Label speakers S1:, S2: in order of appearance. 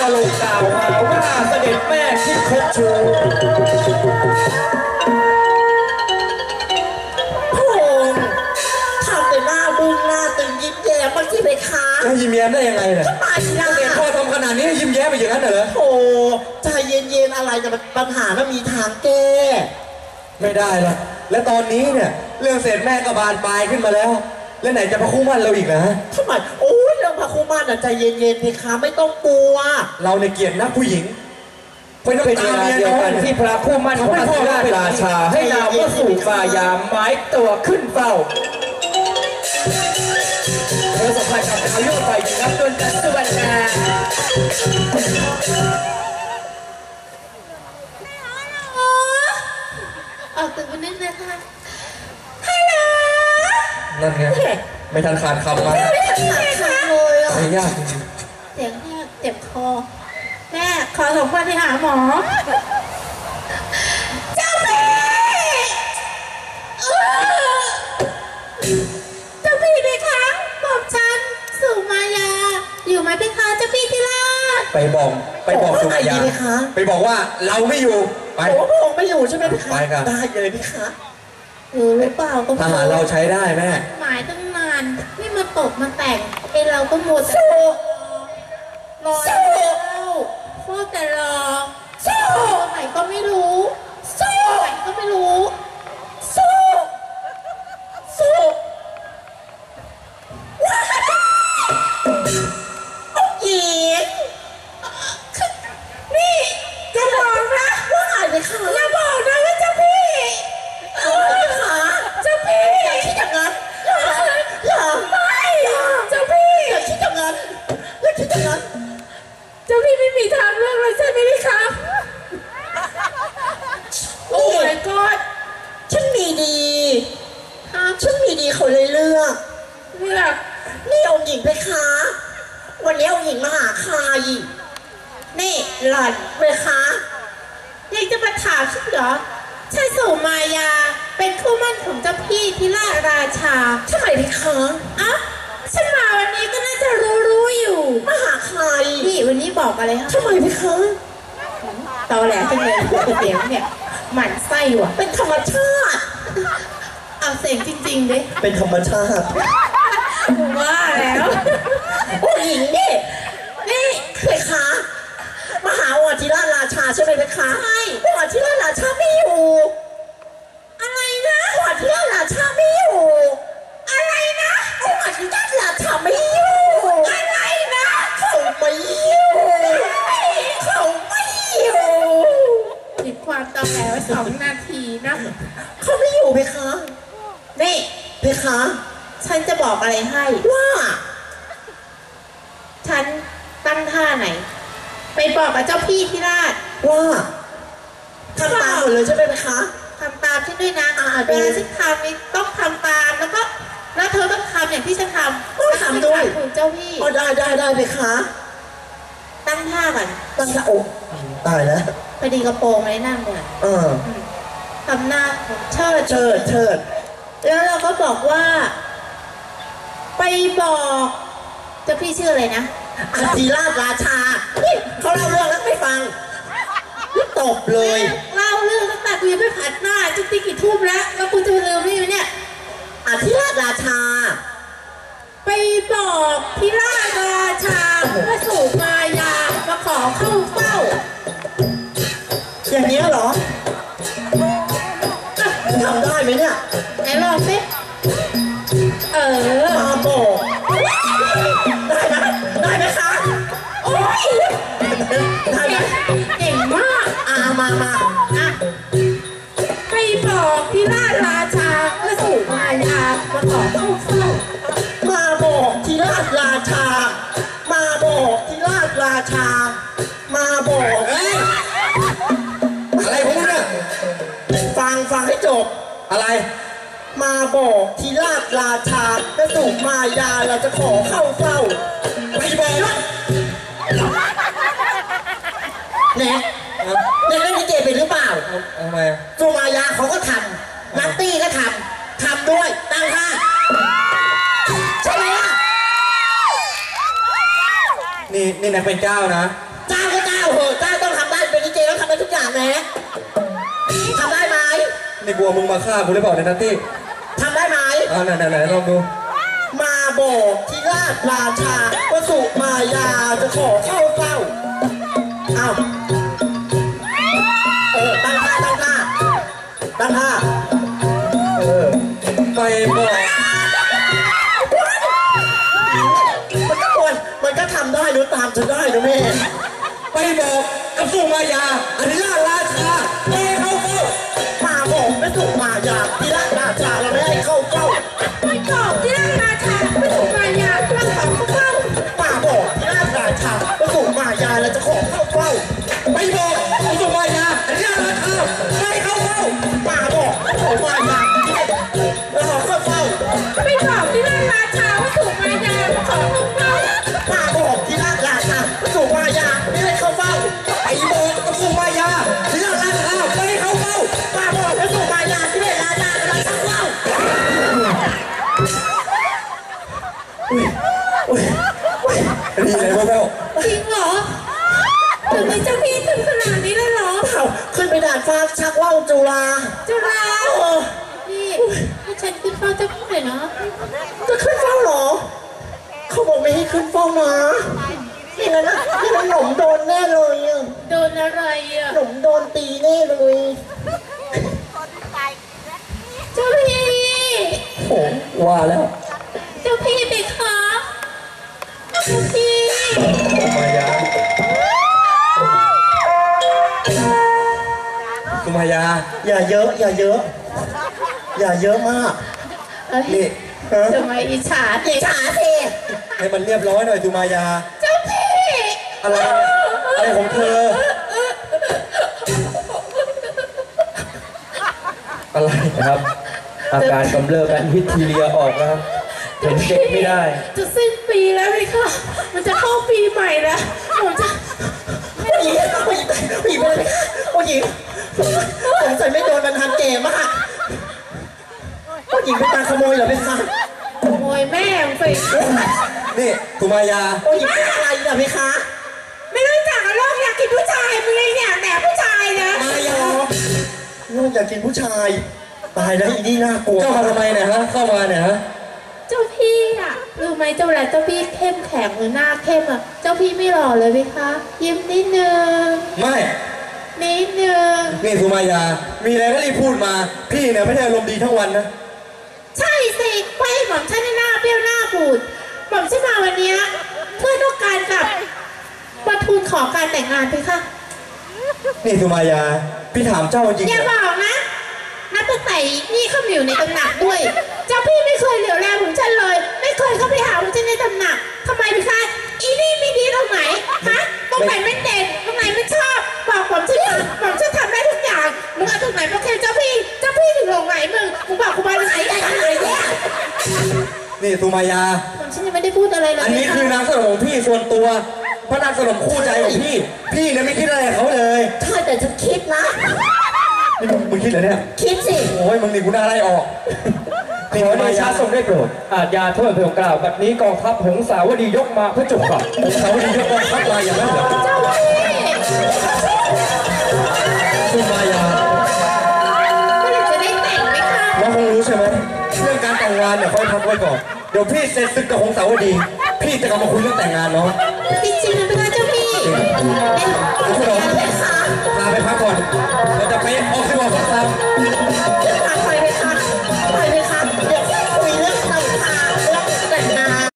S1: ลงกล่าวหาว่าเสด็จแม่คิดคบชู
S2: พระองค์ทำแต่หน้าบึ้งหน้าตึงยิ้มแย้มมันที่ไปค้า
S1: จะยิ้มแย้มได้ยังไงเนี่ย
S2: ทำไมล่ะ
S1: เด็กพ่อทำขนาดนี้ยิ้มแย้มไปอย่างนั้นเหรอ
S2: โอ้ใจเย็นๆอะไรแต่ปัญหามันมีทางแก้
S1: ไม่ได้หรอกและตอนนี้เนี่ยเรื่องเสร็จแม่ก็บานปลายขึ้นมาแล้วแล้วไหนจะพระคู่มั่นเราอีกนะ
S2: ทำไมโอ้ยเรื่องพระคู่มั่นใจเย็นๆเพคะไม่ต้องกลัว
S1: เราในเกียรตินักผู้หญิงเป็นเวลาเดียวกันที่พระคู่มั่นของพระราชาให้นามว่าสู่ฝ่ายามไม้ตัวขึ้นเฝ้าเธอสัมผัสกับอายุฝ่ายหญิงนับจนจัสุวรรณา
S3: ออกตึกวันนี้นะคะฮัลโหล
S1: นั่นไงไม่ทันขาดคำมา
S3: ไม่ทันขาดคำเลยอ่ะ
S1: ไม่ยากจริง
S3: เสียงแค่เจ็บคอแม่ขอส่งคนไปหาหมอเจ้าพี่เจ้าพี่ไหมคะบอกฉันสุมายาอยู่ไหมพี่คะเจ้าพี่ที่ราช
S1: ไปบอกสุมายาไปบอกว่าเราไม่อยู่ไป
S2: พระองค์ไม่อยู่ใช่ไหมพี่คะ
S1: ไปกัน
S2: ได้เลยพี่คะ
S3: หรือเปล่าก็
S1: ทหารเราใช้ได้แม่
S3: หมายตั้งนานนี่มาตกมาแต่งไอเราก็หมดรอพูดแต่รอไหนก็ไม่รู้ไหนก็ไม่รู้
S2: หญิงนี่อย่าบอกนะว่าอะไรคะ
S3: อย่าบอกนะว่าเจ้าพี่
S2: เจ้าพี่อย่าคิดอย่างนั้นอย่า
S3: ไม่เจ้าพี่
S2: อย่าคิดอย่างนั้นอย่าคิดอย่างนั้น
S3: เจ้าพี่ไม่มีทางเลือกเลยใช่ไหมพี่คะโอ้ my god
S2: ฉันมีดีเขาเลยเลือกนี่องค์หญิงเพคะวันนี้องค์หญิงมาหาใครนี่หล่อนเพคะ
S3: ยังจะมาถามฉันเหรอใช่สุมายาเป็นคู่มั่นของเจ้าพี่ที่ราชา
S2: ทำไมเพคะ
S3: อ่ะฉันมาวันนี้ก็น่าจะรู้อยู่
S2: มาหาใคร
S3: นี่วันนี้บอกอะไรคะ
S2: ทำไมเพคะ
S3: ตอแหลจังเลยเสียงเนี่ยหมั่นไส้ว่ะ
S2: เป็นธรรมชาติ
S3: เอาเสียงจริงๆดิ
S2: เป็นธรรมชาติ
S3: ว่าแล้ว
S2: โอ้หญิงนี่เพคะมหาวัชิราชาใช่ไหมเพคะ
S3: ใช่
S2: วัชิราชาไม่อยู่
S3: อะไรนะ
S2: วัชิราชาไม่อยู่
S3: อะไรนะ
S2: วัชิราชาไม่อยู่
S3: อะไรนะ
S2: เขาไม่อยู่
S3: ติดความตอแหลไว้2 นาทีนะ
S2: เขาไม่อยู่เพคะ
S3: นี่
S2: เพคะ
S3: ฉันจะบอกอะไรให้
S2: ว่า
S3: ฉันตั้งท่าไหนไปบอกกับเจ้าพี่ที่ราช
S2: ว่าทำตามหมดเลยใช่ไหมคะ
S3: ทำตามฉันด้วยนะเวลาฉันทำนี่ต้องทำตามแล้วเธอต้องทำอย่างที่ฉันทำ
S2: ต้องทำด้วย
S3: คุณเจ้าพี่
S2: ได้เพคะ
S3: ตั้งท่าก่อน
S2: ตั้งท่าโอ้ตายแล้ว
S3: พอดีกระโปรงเลยนั่งเลยทำหน้าเชิดแล้วเราก็บอกว่าไปบอกเจ้าพี่ชื่ออะไรนะ
S2: อาทิราชาเขาเล่าเรื่องแล้วไม่ฟังตบเลย
S3: เล่าเรื่องตั้งแต่กูยังไม่ผัดหน้าจุดตีกี่ทุ่มแล้วกูจะลืมนี่เนี่ย
S2: อาทิราชา
S3: ไปบอกทิราชาพระสุมายามาขอเข้าเฝ้า
S2: อย่างนี้เหรอทำได้ไหมเนี่ย
S3: ไหนลองสิ
S2: มาบอกได้ไหมคะโอ้ยได้ไหม
S3: เก่งมาก
S2: มา
S3: ไปบอกที่ราชาพระสุมายามาขอเข้าเฝ้า
S2: มาบอกที่ราชามาบอกที่ราชามาบอก
S1: อะไรพวกนี้
S2: ฟังให้จบ
S1: อะไร
S2: มาบอกที่ราชาพระสุมายาเราจะขอเข้าเฝ้า
S1: ไม่บอก
S2: เนี่ยเล่นลิเกเป็นหรือเปล่า
S1: ทำไม
S2: สุมายาเขาก็ทำนัตตี้ก็ทำด้วยตั้งท่าใช่ไหมล่ะ
S1: นี่นางเป็นเจ้านะ
S2: เจ้าแหมทำได้ไหม
S1: นี่กลัวมึงมาฆ่ากูหรือเปล่าเนี่ยนัตตี้
S2: ทำได้ไหม
S1: ไหนลองดู
S2: มาบอกที่ราชราชาว่าสุมายาจะขอเข้าเฝ้าอ้าวตั้งท่า
S1: ไปบอก
S2: มันก็ทำได้ดูตามฉันได้นะแม่
S1: ไปบอกกับสุมายาอธิราชราชาไม่ให้เข้าเฝ้า
S2: มาบอกไม่สุมายาที่ราชราชาเราไม่ให้เข้าเฝ้า
S3: ไปบอกที่ราชราชาไม่ถูกมายาเราขอเข้า
S2: มาบอกที่ราชราชาว่าสุมายาเราจะขอเข้าเฝ้า
S1: ไปบอกกับสุมายาอธิราชราชาไม่ให้เข้าเฝ้า
S2: มาบอกสุมายาเราขอเข้าเฝ้า
S3: ไปบอกที่ราชราชาว่าถูกมายาเราขอเข้าเฝ้า
S2: มาบอกที่ราชราชาว่าสุมายาไม่ให้เข้าเฝ้า
S1: ไปบอกกับสุมายาที่ราชราชาไม่ให้เข้าเฝ้า
S2: มาบอกว่าสุมายาที่ราชราชาเราเข้าเฝ้า
S1: นี่อะไรพวกเรา
S3: จริงเหรอถึงมีเจ้าพี่ถึงขนาดนี้เลยเหรอ
S2: ขึ้นไปด่านฟ้าชักว่าวจุฬา
S3: พี่ให้ฉันขึ้นเฝ้าเจ้าพี่หน่อยนะ
S2: จะขึ้นเฝ้าเหรอเขาบอกไม่ให้ขึ้นเฝ้านะนี่นะนี่มันหนุ่มโดนแน่เลย
S3: โดนอะไร
S2: หนุ่มโดนตีแน่เลย
S3: เจ้าพี่
S1: โอ้ว่าแล้ว
S3: เจ้าพี่ไปคะเจ้าพี่
S1: มายาสุมายา
S2: อย่าเยอะอย่าเยอะมาก
S1: นี่
S3: จะมาอิจฉาสิ
S1: ให้มันเรียบร้อยหน่อยสุมายา
S3: เจ้าพี่
S1: อะไรของเธออะไรครับอาการกำเริบกันฮิตทีเรียออกแล้วเห็นเด็กไม่ได้
S3: จะสิ้นปีแล้วเลยค่ะมันจะเข้าปีใหม่แล้วผมจะ
S2: ผู้หญิงสงสัยไม่โดนมันทันเกมอะผู้หญิงเป็นตาขโมยเหรอเป็นคะ
S3: ขโมยแม่ไป
S1: นี่สุมายา
S2: ผู้หญิงเป็นอะไรเหรอเป็นคะ
S3: ไม่รู้จักโลกอยากกินผู้ชายมึงเลยเนี่ยแต่ผู้ชายนะ
S2: มายาโลกอยากกินผู้ชายตายแล้วอีนี่น่ากลัว
S1: เจ้ามาทำไมเนี่ยฮะเข้ามาเนี่ยฮะ
S3: เจ้าพี่อะรู้ไหมเจ้าแหละเจ้าพี่เข้มแข็งหรือหน้าเข้มอะเจ้าพี่ไม่หล่อเลยไหมคะยิ้มนิดนึง
S1: ไม่
S3: นิดนึง
S1: นี่สุมายามีอะไรก็รีบพูดมาพี่เนี่ยไม่ได้อารมณ์ดีทั้งวันนะ
S3: ใช่สิไปหม่อมฉันหน้าเปรี้ยวหน้าบูดหม่อมฉันมาวันนี้เพื่อต้องการกับมาทูลขอการแต่งงานพี่ค่ะ
S1: นี่สุมายาพี่ถามเจ้าจริง
S3: อย่าบอกนะนับตั้งแต่นี่เข้ามาอยู่ในตำหนักด้วยเจ้าพี่ไม่เคยเหลียวแลผมฉันเลยไม่เคยเข้าไปหาผมฉันในตำหนักทำไมพี่คะอีนี่ไม่ดีตรงไหนฮะตรงไหนไม่เด่นตรงไหนไม่ชอบบอกผมฉันทำได้ทุกอย่างมึงเอาตรงไหนมาเคลมเจ้าพี่ถึงหลงไหนมึงบอกกูมาไหนอะไรเนี่ย
S1: นี่สุมายา
S3: ฉันยังไม่ได้พูดอะไรเลย
S1: อันนี้คือนางสนมของพี่ส่วนตัวพระนางสนมคู่ใจของพี่เนี่ยไม่คิดอะไรเขาเลย
S2: ใช่แต่ฉันคิดนะ
S1: นี่มึงคิดเหรอเนี่ย
S2: คิดสิ
S1: โอ้ยมึงนี่กูน่าไล่ออกขอเดชะทรงได้โปรดอาจยาโทษเพียงกล่าวแบบนี้กองทัพหงสาวดียกมาเพื่อจุกหงสาวดียกกองทัพมาอย่างนั้นเหรอ
S3: เจ้าพี่
S1: สุมายา
S3: เมื่อไหร่จะได้แต่งไหมคะ
S1: น้องคงรู้ใช่ไหมเรื่องการแต่งงานเนี่ยค่อยพักไว้ก่อนเดี๋ยวพี่เสร็จศึกกับหงสาวดีพี่จะกลับมาคุยเรื่องแต่งงานเนาะ
S3: จริงๆนะเป็นเจ้าพี่
S1: พวกเราลาไปพักก่อนเราจะไปออกที่ว่าพักซ้ำ